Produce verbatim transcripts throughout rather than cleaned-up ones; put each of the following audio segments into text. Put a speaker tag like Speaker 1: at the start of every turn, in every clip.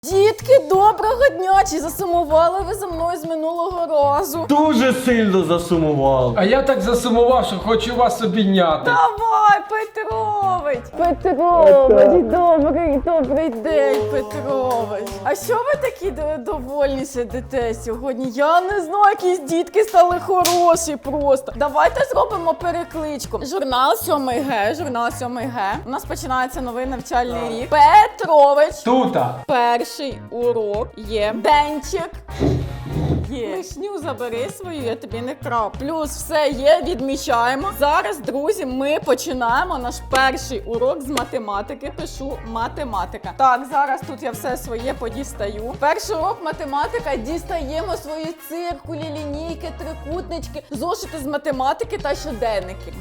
Speaker 1: Дітки, доброго дня! Чи засумували ви за мною з минулого разу?
Speaker 2: Дуже сильно засумував.
Speaker 3: А я так засумував, що хочу вас обійняти.
Speaker 1: Давай, Петрович! Петрович, добрий, добрий день, Петрович. А що ви такі д- довольні сидите сьогодні? Я не знаю, якісь дітки стали хороші просто. Давайте зробимо перекличку. Журнал сьомий Г, журнал сьомий Г. У нас починається новий навчальний рік. Петрович!
Speaker 3: Тута.
Speaker 1: Перший урок є. Денчик. Є. Лишню забери свою, я тобі не крав. Плюс все є, відмічаємо. Зараз, друзі, ми починаємо наш перший урок з математики. Пишу математика. Так, зараз тут я все своє подістаю. Перший урок математика. Дістаємо свої циркулі, лінійки, трикутнички, зошити з математики та щоденники.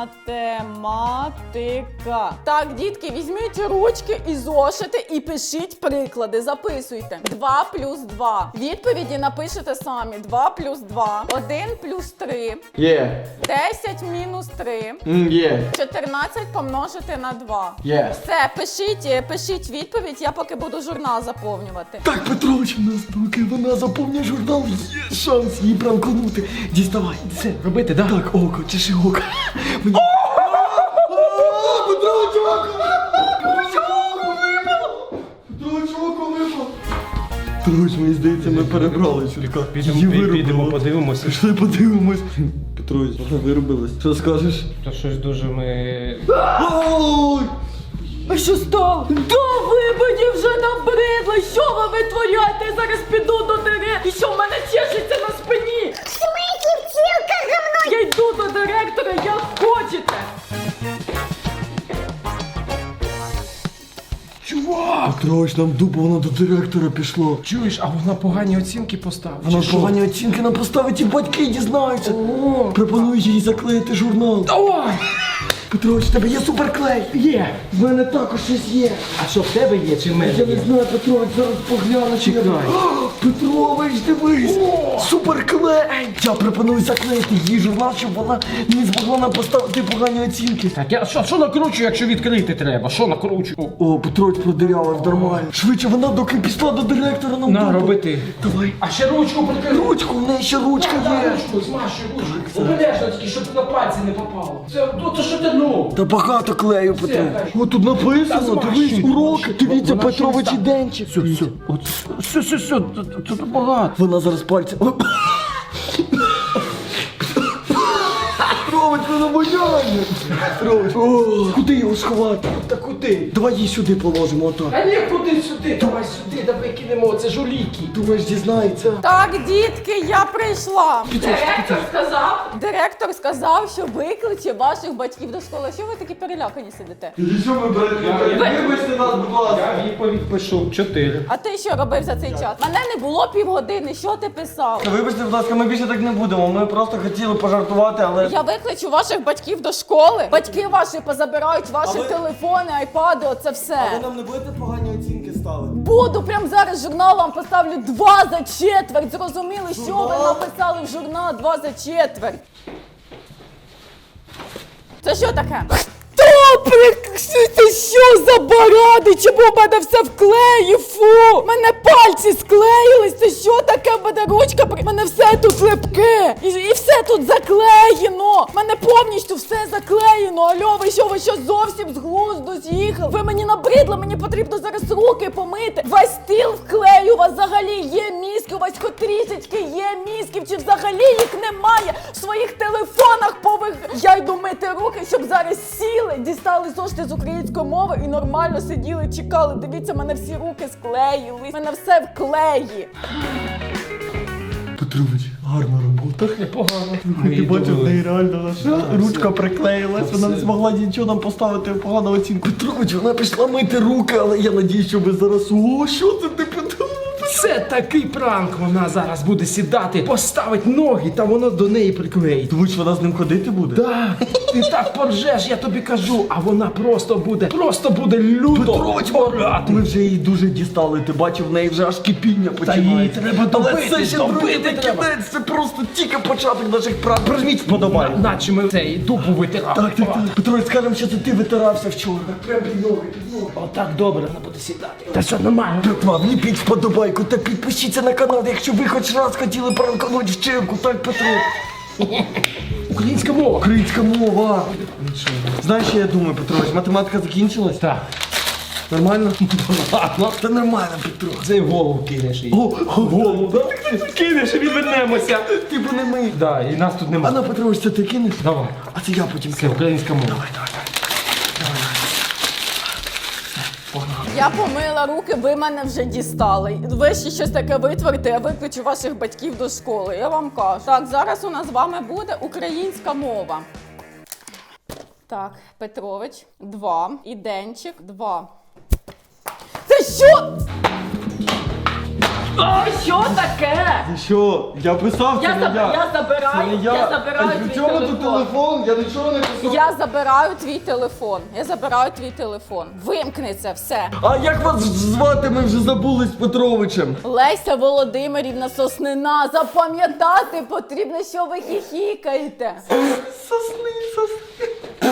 Speaker 1: Математика. Так, дітки, візьміть ручки і зошити і пишіть приклади. Записуйте. два плюс два. Відповіді напишете самі. два плюс два. один плюс три.
Speaker 2: Є.
Speaker 1: десять мінус три.
Speaker 2: М, Є.
Speaker 1: чотирнадцять помножити на два.
Speaker 2: Є.
Speaker 1: Все, пишіть, е, пишіть відповідь, я поки буду журнал заповнювати.
Speaker 2: Так, Петрович, у нас поки вона заповнює журнал, є шанс її пранкнути. Діставай, все.
Speaker 3: Робити, да?
Speaker 2: Так, око, чеши око. Мені... Петрович, око! Петрович, око випало! Петрович, око випало! Петрович, мені здається, ми перебрали чулька.
Speaker 3: Підемо,
Speaker 2: Її
Speaker 3: пі-
Speaker 2: виробило.
Speaker 3: підемо, подивимося.
Speaker 2: Пішли подивимось. Петрович, вона виробилась. Що скажеш?
Speaker 3: То щось дуже ми...
Speaker 2: Ой!
Speaker 1: А що стало? Да ви мені вже набридли! Що ви витворяєте? Я зараз піду до директора. І що в мене чешеться на спині?
Speaker 4: Смысле втілка за мною?
Speaker 1: Я йду до директора, як хочете.
Speaker 3: Чувак!
Speaker 2: Петрович, нам дупа, вона до директора пішла.
Speaker 3: Чуєш, а вона погані оцінки поставила.
Speaker 2: Вона
Speaker 3: чи що?
Speaker 2: погані оцінки нам поставить і батьки дізнаються. Пропоную їй заклеїти журнал.
Speaker 3: Давай!
Speaker 2: Петрович, в тебе є суперклей?
Speaker 3: Є!
Speaker 2: В мене також щось є.
Speaker 3: А що в тебе є, чи в мене
Speaker 2: Я не
Speaker 3: є?
Speaker 2: знаю, Петрович, зараз погляну. чи я-
Speaker 3: Чекай.
Speaker 2: О, Петрович, дивись! Суперклей! Я пропоную заклеїти її журнал, щоб вона не змогла нам поставити погані оцінки.
Speaker 3: Так, я що, що накручу, якщо відкрити треба? Що накручу? О,
Speaker 2: О, Петрович продирявив нормально. Швидше, вона доки пішла до директора нам
Speaker 3: на,
Speaker 2: дупу.
Speaker 3: роби ти.
Speaker 2: Давай.
Speaker 3: А ще ручку прикрий.
Speaker 2: Ручку, в неї ще ручка
Speaker 3: Так,
Speaker 2: є.
Speaker 3: ручку, змащуй ручку. Обережно тільки, щоб на пальці не попало. Це, то, то що ти ну?
Speaker 2: Та багато клею, Петрович.
Speaker 3: хай.
Speaker 2: О, тут написано,
Speaker 3: Та
Speaker 2: дивись,
Speaker 3: змащуй,
Speaker 2: уроки.
Speaker 3: змащуй.
Speaker 2: Дивіться,
Speaker 3: Вона
Speaker 2: Петрович
Speaker 3: щось
Speaker 2: і
Speaker 3: там.
Speaker 2: Денчик.
Speaker 3: Все, все, от, все, все, все, тут, тут багато.
Speaker 2: Вона зараз пальці. Петрович, вона воняє. Петрович, о, куди його сховати?
Speaker 3: Та куди?
Speaker 2: Давай її сюди положимо, отак.
Speaker 3: А ні, куди сюди? Давай сюди, давай кинемо, це ж уліки.
Speaker 2: Думаєш, дізнається?
Speaker 1: Так, дітки, я прийшла.
Speaker 2: Петрович,
Speaker 1: Директор сказав, директор сказав, що викличе ваших батьків до школи. Що ви такі перелякані сидите?
Speaker 2: Що ви, вибачте нас, будь ласка.
Speaker 3: Я відповідь пишу чотири.
Speaker 1: А ти що робив за цей час? Мене не було півгодини, що ти писав?
Speaker 2: Вибачте, будь ласка, ми більше так не будемо. Ми просто хотіли пожартувати, але...
Speaker 1: Я викличу ваших батьків до школи. Батьки ваші позабирають ваші
Speaker 2: А ви-
Speaker 1: телефони, айпади, оце все.
Speaker 2: нам не будете погані оцінки ставити?
Speaker 1: Буду прямо зараз журнал вам поставлю два за четверть. Зрозуміли, що ви
Speaker 2: Журнал?
Speaker 1: написали в журнал два за четверть. Це що таке? Добре, це що за баради? Чому в мене все в клеї? Фу! Мене пальці склеїлись. Це що таке? В мене ручка, при- мене все тут липке. І, і все тут заклеєно. Мене повністю все заклеєно. Альо, ви що, ви що зовсім з глузду з'їхали? Ви мені набридли, мені потрібно зараз руки помити. Весь стіл в клею, у вас взагалі є мізки, у вас хоч трішечки є мізків, чи взагалі їх немає в своїх телефонах пових. Я йду мити руки, щоб зараз сіли, дістали зошити з української мови і нормально сиділи, чекали. Дивіться, мене всі руки склеїли. Мене все в клеї.
Speaker 2: Петрович, гарна робота.
Speaker 3: Непогано.
Speaker 2: Ти бачив, в неї реально наша ручка приклеїлась, вона не змогла нічого нам поставити погану оцінку. Петрович, вона пішла мити руки, але я надію, що ви зараз... О, що це ти подумав?
Speaker 3: Це такий пранк. Вона зараз буде сідати, поставить ноги, та воно до неї приклеїть.
Speaker 2: Думаєш, вона з ним ходити буде?
Speaker 3: Так, Ти так поржеш, я тобі кажу, а вона просто буде, просто буде люто
Speaker 2: Петрович,
Speaker 3: орати.
Speaker 2: ми вже її дуже дістали, ти бачив, в неї вже аж кипіння починається.
Speaker 3: її треба
Speaker 2: Але
Speaker 3: добити,
Speaker 2: це ще
Speaker 3: добити
Speaker 2: друзі, не
Speaker 3: треба.
Speaker 2: кінець, це просто тільки початок наших прав. Прожміть вподобай.
Speaker 3: Наче ми цей дупу витирали.
Speaker 2: Так, так, так. Петрович, скажемо, що це ти витирався вчора. Прям під ноги, під ноги.
Speaker 3: Отак добре, вона буде сідати. Та що, нормально?
Speaker 2: Братва, вліпіть вподобайку та підпишіться на канал, якщо ви хоч раз хотіли пранкануть вчинку, так, Петро?
Speaker 3: Українська мова.
Speaker 2: Українська мова. Знаєш, що я думаю, Петрович, математика закінчилась?
Speaker 3: Так.
Speaker 2: Нормально?
Speaker 3: Ладно.
Speaker 2: Та нормально, Петро.
Speaker 3: Це в голову кинеш їй.
Speaker 2: О, о,
Speaker 3: Голову, да? Ти кинеш і відвернемося.
Speaker 2: ти б не ми.
Speaker 3: Да, і нас тут
Speaker 2: А
Speaker 3: немає.
Speaker 2: на, Петрович, це ти кинеш?
Speaker 3: Давай.
Speaker 2: А це я потім
Speaker 3: Це
Speaker 2: кину.
Speaker 3: українська мова.
Speaker 2: Давай, давай, давай.
Speaker 1: Я помила руки, ви мене вже дістали. Ви ще щось таке витворите, я викличу ваших батьків до школи. Я вам кажу. Так, зараз у нас з вами буде українська мова. Так, Петрович, два. І Денчик, два. Це що? А що таке?
Speaker 2: Ти що? Я писав,
Speaker 1: Я,
Speaker 2: це не
Speaker 1: заб...
Speaker 2: я.
Speaker 1: я
Speaker 2: Це
Speaker 1: забираю,
Speaker 2: не я.
Speaker 1: я забираю
Speaker 2: А
Speaker 1: твій
Speaker 2: при чому тут
Speaker 1: телефон.
Speaker 2: телефон? Я нічого не писав.
Speaker 1: Я забираю твій телефон. Я забираю твій телефон. Вимкни це все.
Speaker 2: А як вас звати? Ми вже забули з Петровичем.
Speaker 1: Леся Володимирівна Соснина. Запам'ятати потрібно, що ви хіхікаєте.
Speaker 2: Сосни, сосни.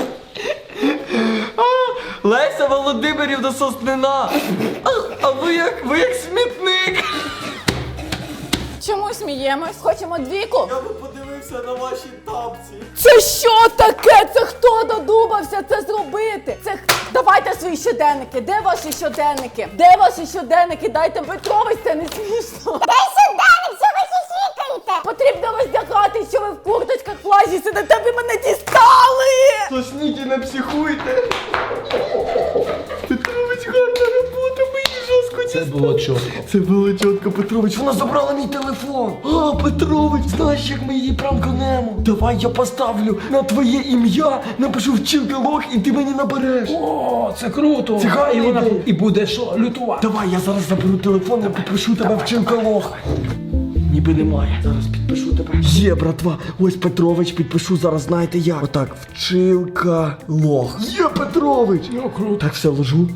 Speaker 2: А, Леся Володимирівна Соснина. А, а ви як, ви як смітник.
Speaker 1: Чому сміємось? Хочемо двійку?
Speaker 2: Я би подивився на ваші тапці.
Speaker 1: Це що таке? Це хто додумався це зробити? Це х- давайте свої щоденники. Де ваші щоденники? Де ваші щоденники? Дайте Петрович, це не смішно.
Speaker 4: Дай сюди, що ви хихікаєте?
Speaker 1: Потрібно роздягати, що ви в курточках плащі сидите, ви мене дістали!
Speaker 2: Сосніть і не психуйте. Петрович, гарна робота, ми її жорстко
Speaker 3: Це
Speaker 2: дістали.
Speaker 3: було чітко.
Speaker 2: Це було чітко, Петрович. Вона забрала мій телефон. А, Петрович, знаєш, як ми її прамканемо? Давай я поставлю на твоє ім'я, напишу вчинки лох і ти мені набереш.
Speaker 3: О, це круто.
Speaker 2: Це гарна
Speaker 3: і вона
Speaker 2: ідея.
Speaker 3: і буде що, лютувати.
Speaker 2: Давай, я зараз заберу телефон і підпишу тебе вчинка лох. Ніби немає. Зараз підпишу тебе. Є, братва. Ось Петрович, підпишу зараз, знаєте як. Отак, вчинка лох. Є, Петрович.
Speaker 3: Ну, круто.
Speaker 2: Так, все, ложу.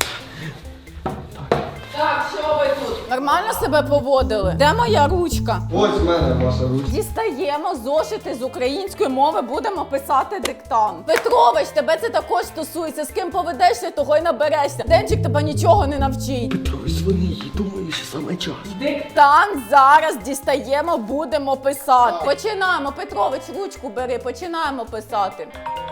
Speaker 1: Так, що ви тут? Нормально себе поводили? Де моя ручка?
Speaker 2: Ось в мене ваша ручка.
Speaker 1: Дістаємо зошити з української мови, будемо писати диктант. Петрович, тебе це також стосується. З ким поведешся, того й наберешся. Денчик тебе нічого не навчить.
Speaker 2: Петрович, дзвони їй, думаю, що саме час.
Speaker 1: Диктант зараз дістаємо, будемо писати. Починаємо. Петрович, ручку бери, починаємо писати.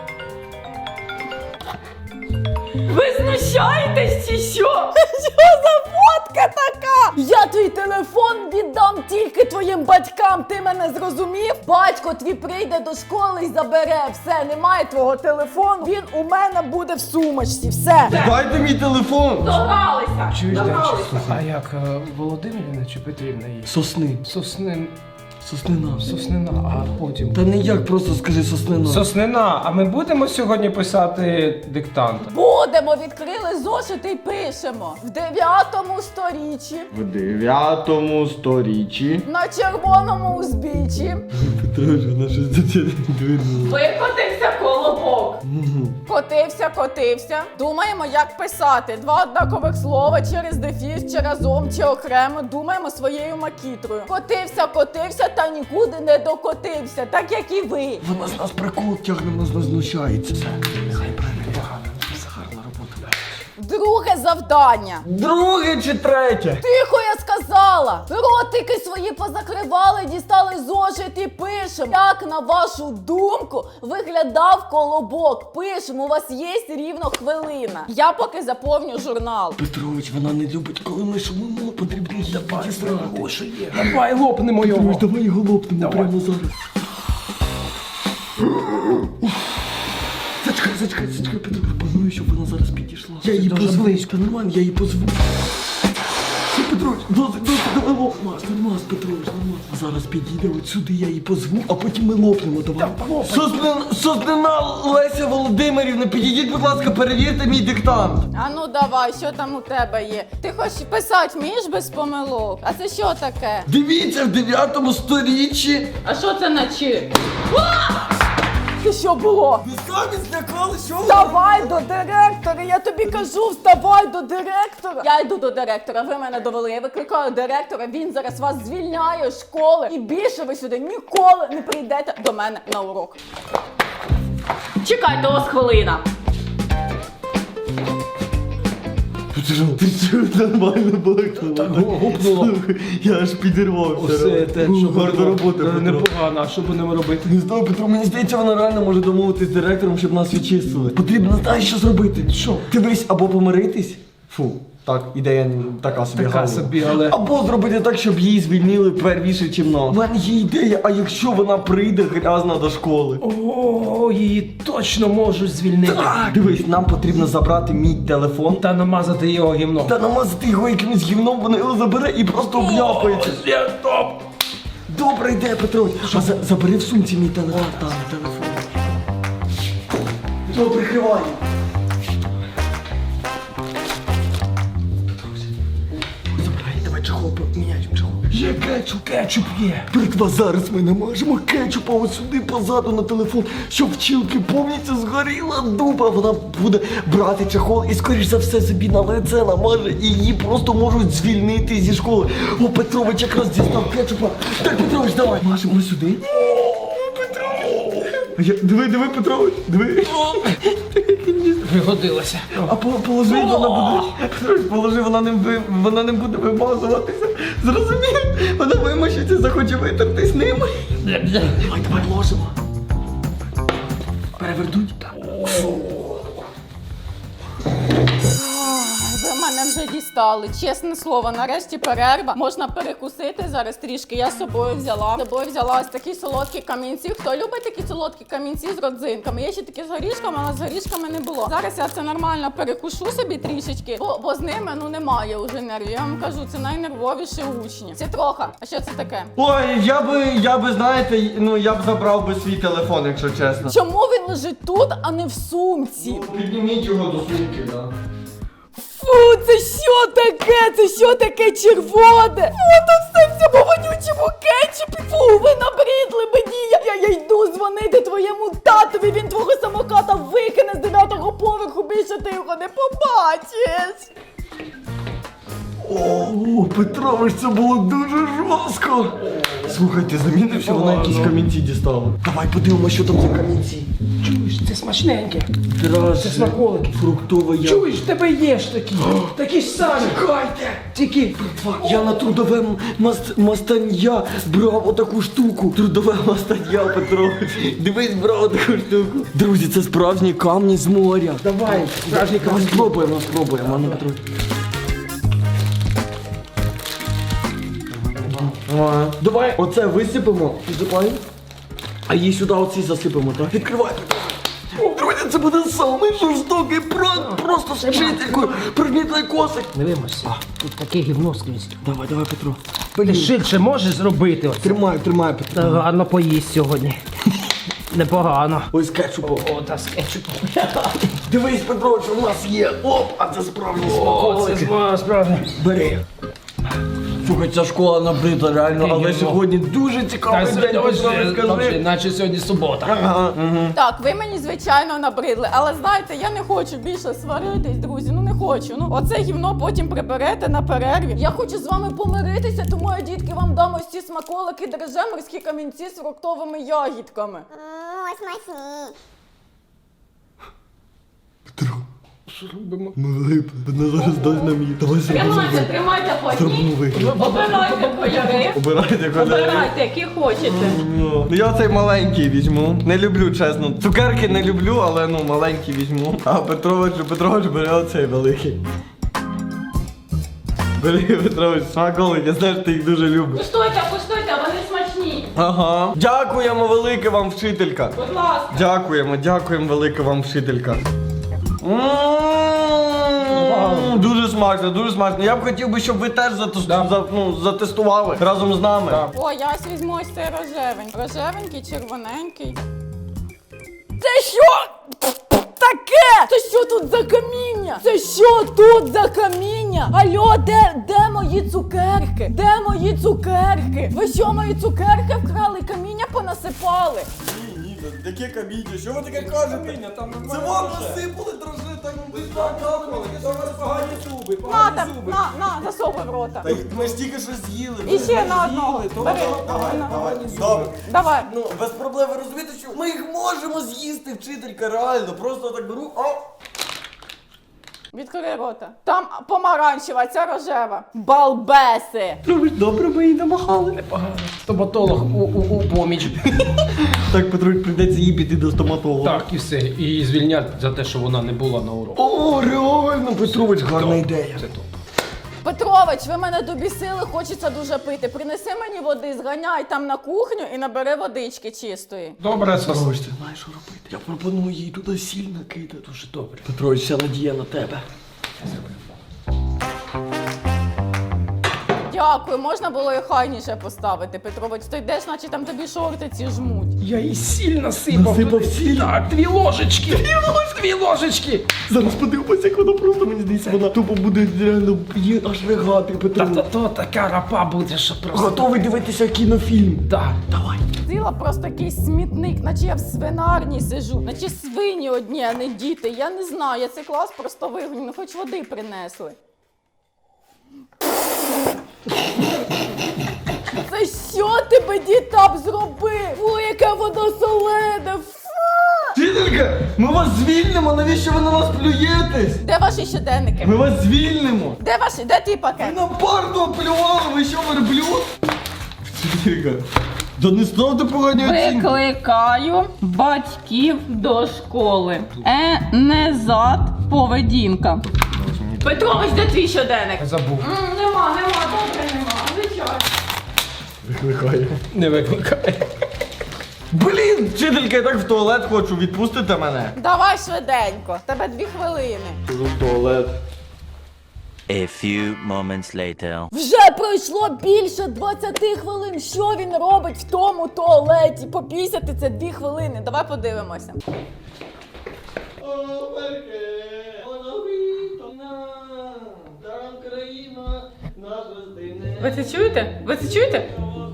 Speaker 1: Ви знущаєтесь чи що? Що за фотка така? Я твій телефон віддам тільки твоїм батькам. Ти мене зрозумів? Батько твій прийде до школи і забере. Все, немає твого телефону. Він у мене буде в сумочці. Все.
Speaker 2: Дайте мій телефон.
Speaker 1: Догралися.
Speaker 3: Чуєш,
Speaker 1: Догралися.
Speaker 3: Денчик, слухай, а як е, Володимирівна чи Петрівна її?
Speaker 2: Сосни.
Speaker 3: Соснин...
Speaker 2: Соснина.
Speaker 3: Соснина, а потім...
Speaker 2: Та не як, просто скажи соснина.
Speaker 3: Соснина, а ми будемо сьогодні писати диктант?
Speaker 1: Будемо, відкрили зошити і пишемо. В дев'ятому сторіччі
Speaker 2: В дев'ятому сторіччі.
Speaker 1: на червоному узбіччі
Speaker 2: Петрович, вона щось до тебе двинула.
Speaker 1: викотився колобок. Котився, котився. Думаємо, як писати. Два однакових слова через дефіс, чи разом, чи окремо. Думаємо своєю макітрою. Котився, котився та нікуди не докотився, так як і ви.
Speaker 2: Вона з нас прикол тягне, вона з нас знущається. Все, нехай правильно. Це гарна робота.
Speaker 1: Друге завдання.
Speaker 2: Друге чи третє?
Speaker 1: Тихо, я сказала! Ротики свої позакривали, дістали зошит і пишемо. Як, на вашу думку, виглядав колобок? Пишемо, у вас є рівно хвилина. Я поки заповню журнал.
Speaker 2: Петрович, вона не любить, коли ми шумимо, потрібно її підістрахувати.
Speaker 3: Що є? Давай лопнемо його.
Speaker 2: Петрович, давай його лопнемо
Speaker 3: Давай.
Speaker 2: прямо зараз. Зачекай, зачекай, зачекай, Петрович, планую, щоб вона зараз підійшла. Я її
Speaker 3: дуже
Speaker 2: позву.
Speaker 3: близько.
Speaker 2: Та нормально, я її позву. Все, Петрович, досить, досить, давай лопнемо. Нормас, Петрович, нормас. Зараз підійде от сюди, я її позву, а потім ми лопнемо, давай. Соснина, Соснина Леся Володимирівна, підійдіть, будь ласка, перевірте мій диктант.
Speaker 1: А ну давай, що там у тебе є? Ти хочеш писати вмієш без помилок? А це що таке?
Speaker 2: Дивіться, в дев'ятому сторіччі.
Speaker 1: А що це наче? Це що було?
Speaker 2: Ви самі злякали, що ви?
Speaker 1: Вставай до директора, я тобі кажу, вставай до директора. Я йду до директора, ви мене довели, я викликаю директора, він зараз вас звільняє з школи. І більше ви сюди ніколи не прийдете до мене на урок. Чекайте, ось хвилина.
Speaker 2: Ти що, ти що, нормально балакала?
Speaker 3: Гупнуло.
Speaker 2: Слухай, я аж підірвався.
Speaker 3: Все, те, що
Speaker 2: гарна робота, Петро.
Speaker 3: непогано, а що будемо робити?
Speaker 2: Не знаю, Петро, мені здається, вона реально може домовитись з директором, щоб нас відчистили. Потрібно, знаєш, що зробити? Що? Дивись, або помиритись. Фу, так, ідея така собі.
Speaker 3: Така
Speaker 2: гарна.
Speaker 3: собі, але-
Speaker 2: Або зробити так, щоб її звільнили первіше, чим нас. У мене є ідея, а якщо вона прийде грязна до школи?
Speaker 3: О, її точно можуть звільнити.
Speaker 2: Так, дивись, нам потрібно забрати мій телефон
Speaker 3: Та намазати його гімном.
Speaker 2: та намазати його якимось гівном, вона його забере і просто обляпається.
Speaker 3: Є, топ!
Speaker 2: Добра ідея, Петро. А за, забери в сумці мій телефон. Там, телефон. Петро, прикривай. Забирай, давай чехол поміняємо чехол.
Speaker 3: Є кетчуп, кетчуп є.
Speaker 2: Бритва, зараз ми намажемо кетчупа ось сюди позаду на телефон, щоб вчилки повністю згоріла дуба. Вона буде брати чехол і, скоріш за все, собі на лице намаже, і її просто можуть звільнити зі школи. О, Петрович якраз дістав кетчупа. Так, Петрович, давай. Мажемо сюди. О, Петро! Я, диви, диви, Петрович, диви.
Speaker 3: Пригодилося.
Speaker 2: А по- положи, вона буде. Петрович, положи, вона не, ви- вона не буде вимазуватися. Зрозумів? Вона вимощиться, захоче витертись ним. Давай, давай, ложимо. Перевернуть.
Speaker 1: Ви мене вже дістали. Чесне слово, нарешті перерва. Можна перекусити зараз трішки. Я з собою взяла. З собою взяла ось такі солодкі камінці. Хто любить такі солодкі камінці з родзинками? Є ще такі з горішками, але з горішками не було. Зараз я це нормально перекушу собі трішечки, бо, бо з ними ну немає вже нервів. Я вам кажу, це найнервовіші учні. Це трохи. А що це таке?
Speaker 2: Ой, я би, я би, знаєте, ну я б забрав би свій телефон, якщо чесно.
Speaker 1: Чому він лежить тут, а не в сумці?
Speaker 2: Підніміть його до сумки, так. Да.
Speaker 1: Фу, це що таке? Це що таке червоне? Фу, тут все в цьому вонючому кетчупі. Фу, ви набридли мені. Я, я, я йду дзвонити твоєму татові. Він твого самоката викине з дев'ятого поверху. Більше ти його не побачиш.
Speaker 2: О, Петрович, це було дуже жорстко. Слухайте, замінив, що вона якісь камінці дістала. Давай подивимося, що там за камінці.
Speaker 3: Чуєш, це смачненьке.
Speaker 2: Драже,
Speaker 3: Це смаколики.
Speaker 2: фруктова ягода.
Speaker 3: Чуєш, в тебе є ж такі. Такі ж самі.
Speaker 2: Чекайте!
Speaker 3: Тільки
Speaker 2: Я на трудове маст- мастання брав отаку штуку. Трудове мастання, Петрович. Дивись, брав таку штуку. Друзі, це справжні камні з моря.
Speaker 3: давай, справжній
Speaker 2: Давай
Speaker 3: камінь.
Speaker 2: спробуємо, спробуємо, а ну, Петрович. Ага. Давай оце висипемо, підсипаємо, а її сюди оці засипемо, так? Відкривай, Петрович. Друзі, це буде самий жорстокий пранк, просто з вчителькою. Прижміть лайкосик.
Speaker 3: Не вимойся. Тут таке гівно скрізь.
Speaker 2: Давай, давай, Петро.
Speaker 3: Ти швидше можеш зробити? Оце?
Speaker 2: Тримай, тримай, Петро.
Speaker 3: Та гарно поїсть сьогодні. Непогано.
Speaker 2: Ось кетчупом.
Speaker 3: О, та з кетчупом.
Speaker 2: Дивись, Петро, що в нас є. Оп, а це справжні
Speaker 3: О, це
Speaker 2: смаколики.
Speaker 3: зма- справді.
Speaker 2: Бери. Слухай, ця школа набрита реально, але
Speaker 3: Гівно.
Speaker 2: сьогодні дуже цікавий день, Петро, скажи.
Speaker 3: наче сьогодні субота.
Speaker 2: Ага, угу.
Speaker 1: Так, ви мені, звичайно, набридли, але знаєте, я не хочу більше сваритись, друзі, ну не хочу. Ну, оце гівно потім приберете на перерві. Я хочу з вами помиритися, тому я, дітки, вам дам ось ці смаколики драже, морські камінці з фруктовими ягідками.
Speaker 4: Ммм, смачні.
Speaker 2: Петро, ми влипли. Вона зараз дасть нам її. Давай зробимо вигляд.
Speaker 1: тримайте
Speaker 2: Зробимо вигляд.
Speaker 1: Обирайте кольори.
Speaker 2: Обирайте кольори.
Speaker 1: які хочете.
Speaker 2: Ну, я цей маленький візьму. Не люблю, чесно. Цукерки не люблю, але ну маленький візьму. А Петрович, Петрович бере оцей великий. Бери, Петрович, смаколик, я знаю, що ти їх дуже любиш.
Speaker 1: Куштуйте, куштуйте, вони смачні.
Speaker 2: Ага. Дякуємо велике вам, вчителька.
Speaker 1: Будь ласка.
Speaker 2: Дякуємо, дякуємо велике вам, вчителька. М, Дуже смачно, дуже смачно. Я б хотів би, щоб ви теж затес- за- ну, затестували разом з нами.
Speaker 1: О, я ось візьму ось цей рожевень. Рожевенький, червоненький. Це що? Таке! Це що тут за каміння? Це що тут за каміння? Алло, де, де мої цукерки? Де мої цукерки? Ви що, мої цукерки вкрали? Каміння понасипали?
Speaker 2: Дивіться, яке каміння, що ви таке кажете?
Speaker 3: Там
Speaker 2: Це вам насипали дрожжи, так ви так капали, що ви
Speaker 3: погані зуби,
Speaker 1: На
Speaker 3: погані
Speaker 1: там,
Speaker 3: зуби.
Speaker 1: на, на, засовуй в рота.
Speaker 2: Та ми ж тільки що з'їли.
Speaker 1: І ще на одного.
Speaker 3: то
Speaker 1: Бери.
Speaker 2: Давай,
Speaker 1: На.
Speaker 2: давай, добре.
Speaker 1: Давай.
Speaker 2: Ну, без проблем, ви розумієте, що ми їх можемо з'їсти, вчителька, реально. Просто так беру, о!
Speaker 1: Відкрий рота. Там помаранчева, ця рожева. Балбеси.
Speaker 2: Ну, добре, ми її намахали.
Speaker 3: Непогано. Стоматолог у, у, у поміч.
Speaker 2: Так, Петрович, прийдеться їй піти до стоматолога.
Speaker 3: Так, і все. І звільнять за те, що вона не була на уроку.
Speaker 2: О, реально, Петрович, гарна ідея.
Speaker 3: Це топ.
Speaker 1: Петрович, ви мене добісили, хочеться дуже пити. Принеси мені води, зганяй там на кухню і набери водички чистої.
Speaker 3: Добре, сос.
Speaker 2: Петрович, ти знаєш, що робити? Я пропоную їй туди сіль накидати. Дуже добре. Петрович, вся надія на тебе.
Speaker 1: Дякую, можна було і хайніше поставити, Петрович. Ти йдеш, наче там тобі шорти ці жмуть.
Speaker 3: Я їй сіль насипав.
Speaker 2: Насипав
Speaker 3: туди.
Speaker 2: сіль?
Speaker 3: Так, дві ложечки. Дві ложечки. Дві ложечки.
Speaker 2: Зараз подивимося, як вона просто, мені здається, вона тупо буде реально її аж ригати,
Speaker 3: Та
Speaker 2: Петрович.
Speaker 3: то, то така рапа буде, що просто...
Speaker 2: Готовий дивитися кінофільм.
Speaker 3: Так.
Speaker 2: Давай.
Speaker 1: Ціла просто якийсь смітник, наче я в свинарні сижу, наче свині одні, а не діти. Я не знаю, я цей клас просто вигоню, ну хоч води принесли. Це що тебе дітап зробив? Фу, яке воно солене, фу!
Speaker 2: Вчителька, ми вас звільнимо, навіщо ви на нас плюєтесь?
Speaker 1: Де ваші щоденники?
Speaker 2: Ми вас звільнимо.
Speaker 1: Де ваші, де твій
Speaker 2: Ви
Speaker 1: пакет?
Speaker 2: на парту оплювали, ви що, верблюд? Вчителька, да не ставте погані оцінки.
Speaker 1: Викликаю батьків до школи. Е, не зад, поведінка. Петрович, де твій щоденник?
Speaker 3: Забув.
Speaker 1: М, Нема, нема, добре, нема. Звичайно.
Speaker 2: Викликає.
Speaker 3: Не викликає.
Speaker 2: Блін, вчителька, я так в туалет хочу, відпустите мене.
Speaker 1: Давай швиденько, тебе дві хвилини.
Speaker 2: В туалет.
Speaker 5: A few moments later.
Speaker 1: Вже пройшло більше двадцяти хвилин. Що він робить в тому туалеті? Попісяти це дві хвилини. Давай подивимося. Ви це чуєте? Ви це чуєте?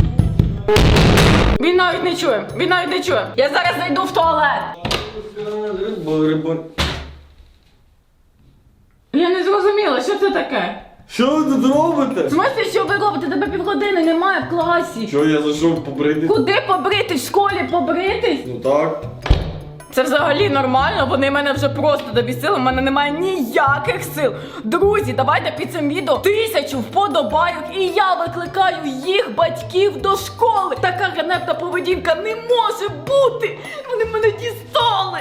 Speaker 1: Він навіть не чує. Він навіть не чує. Я зараз зайду в туалет. Я не зрозуміла, що це таке.
Speaker 2: Що ви тут робите?
Speaker 1: В смысле, що ви робите? Тебе півгодини немає в класі.
Speaker 2: Що я зайшов побрити?
Speaker 1: Куди побритись? В школі побритись?
Speaker 2: Ну так.
Speaker 1: Це взагалі нормально, вони мене вже просто добісили, в мене немає ніяких сил. Друзі, давайте під цим відео тисячу вподобайок, і я викликаю їх батьків до школи. Така ганебна поведінка не може бути. Вони мене дістали.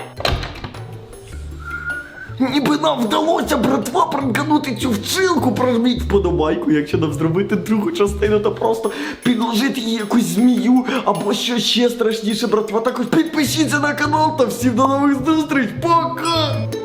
Speaker 2: Ніби нам вдалося, братва, пранканути цю вчилку. Прожміть вподобайку, якщо нам зробити другу частину, то просто підложити їй якусь змію або що ще страшніше, братва. Також підпишіться на канал та всім до нових зустріч. Пока!